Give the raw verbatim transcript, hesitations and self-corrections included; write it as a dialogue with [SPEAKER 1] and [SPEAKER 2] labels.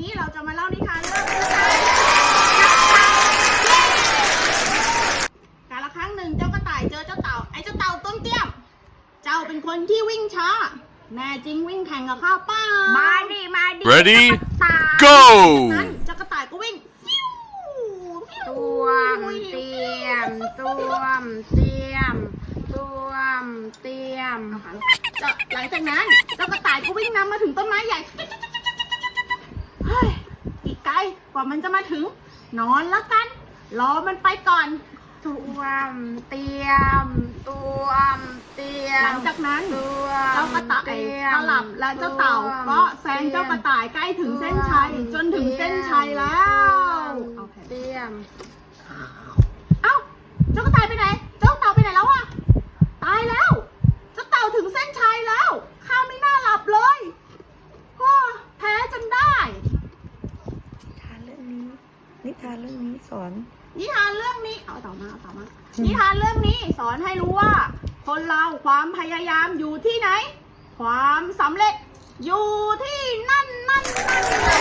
[SPEAKER 1] นี้เราจะมาเล่านิทานเรื่องกระต่ายกาลครั้งหนึ่งเจ้ากระต่ายเจอเจ้าเต่าไอ้เจ้าเต่าต้นเตี้ยมเจ้าเป็นคนที่วิ่งช้าแน่จริงวิ่งแข่งกับข้าวป้ามาดิมาดิ
[SPEAKER 2] Ready
[SPEAKER 1] จาก
[SPEAKER 2] Go
[SPEAKER 1] นั้นเจ้ากระต่ายก็วิ่ง
[SPEAKER 3] ตัวมเตรียมตัวมเตรียมตัวมเตรียม
[SPEAKER 1] จะหลังจากนั้นเจ้ากระต่ายก็วิ่งนำมาถึงต้นไม้ใหญ่เฮ้ยอีกไกลกว่ามันจะมาถึงนอนละกันรอมันไปก่อน
[SPEAKER 3] ตัวมเตรียมตัวมเตรียม
[SPEAKER 1] หลังจากนั้น
[SPEAKER 3] ตัว
[SPEAKER 1] เจ้ากระต่ายก็หลับและเจ้าเต่าก็แซงเจ้ากระต่ายใกล้ถึงเส้นชัยจนถึงเส้นชัยแล้วเอาแผ่น
[SPEAKER 3] เตรียม
[SPEAKER 1] เอ้าเจ้ากระต่ายไปไหนเจ้าเต่าไปไหนแล้วอะตายแล้วเจ้าเต่าถึงเส้นชัยแล้วข้าไม่น่าหลับเลยฮ่าแพ้จนได้
[SPEAKER 4] นิทานเรื่องนี้นิทานเรื่องนี้สอน
[SPEAKER 1] นิทานเรื่องนี้เอาต่อมาเอาต่อมานิทานเรื่องนี้สอนให้รู้ว่า คนเราความพยายามอยู่ที่ไหน ความสำเร็จอยู่ที่นั่นนั่นนั่นนั่น